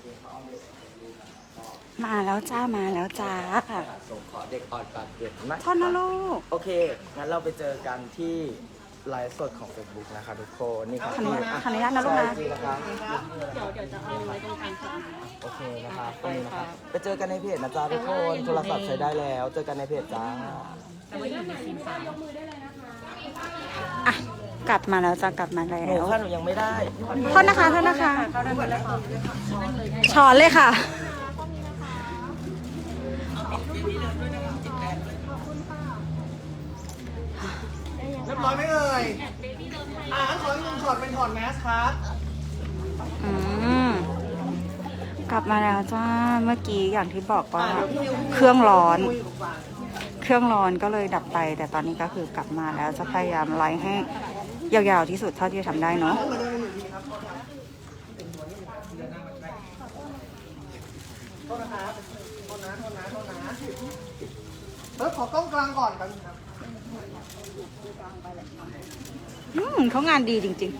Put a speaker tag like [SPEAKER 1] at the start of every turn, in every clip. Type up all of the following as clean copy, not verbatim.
[SPEAKER 1] มาแล้วจ้ามาแล้วจ้า
[SPEAKER 2] ส่งขอเด็กอ่อนปากเด็กนะ
[SPEAKER 1] ท่อนนะลูก
[SPEAKER 2] โอเค งั้นเราไปเจอกันที่ไลฟ์สดของ Facebook นะคะทุกคนนี่ครับ
[SPEAKER 1] ขออนุญาตนะลูกนะ
[SPEAKER 2] ใช่จริงนะครับ
[SPEAKER 3] เดี๋ยวจะเอาไว้ตรงกลางค่ะ
[SPEAKER 2] โอเคนะครับตรงนี้นะครับไปเจอกันในเพจนะจ๊ะทุกคน โทรศัพท์ใช้ได้แล้ว เจอกันในเพจจ้า
[SPEAKER 3] แต่ว่าอยู่ในซีนสาม
[SPEAKER 1] อ่ะกลับมาแล้วจ้ากลับมาแล้
[SPEAKER 2] หนู
[SPEAKER 1] ว
[SPEAKER 2] ค่ะหนูยังไม่ได้
[SPEAKER 1] โทษนะคะโทษนะคะช้อนเลยค่ะ
[SPEAKER 4] เรียบร้อยไหมเอ่ยขออีกหนึ่งช็อตเป็นถอดแมสครับ
[SPEAKER 1] อืมกลับมาแล้วจ้าเมื่อกี้อย่างที่บอกว่าเครื่องร้อน เครื่องร้อนก็เลยดับไป แต่ตอนนี้ก็คือกลับมาแล้วจะพยายามไลฟ์ให้ยาวๆที่สุดเท่าที่จะทำได้เนาะ
[SPEAKER 4] โทษนะครับโทษนะขอกล้องกลางก่อนครับ
[SPEAKER 1] เขางานดีจริง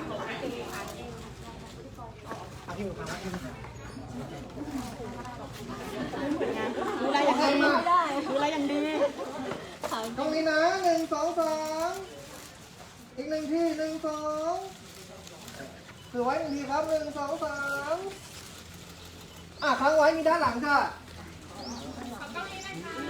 [SPEAKER 1] ๆ
[SPEAKER 3] ดูแลอย่างดีดูแลอย่างดี
[SPEAKER 4] ตรงนี้นะ1 2 3อีกหนึ่งที่1 2ถือไว้1ทีครับ1 2 3ค้างไว้มีด้านหลังค่ะ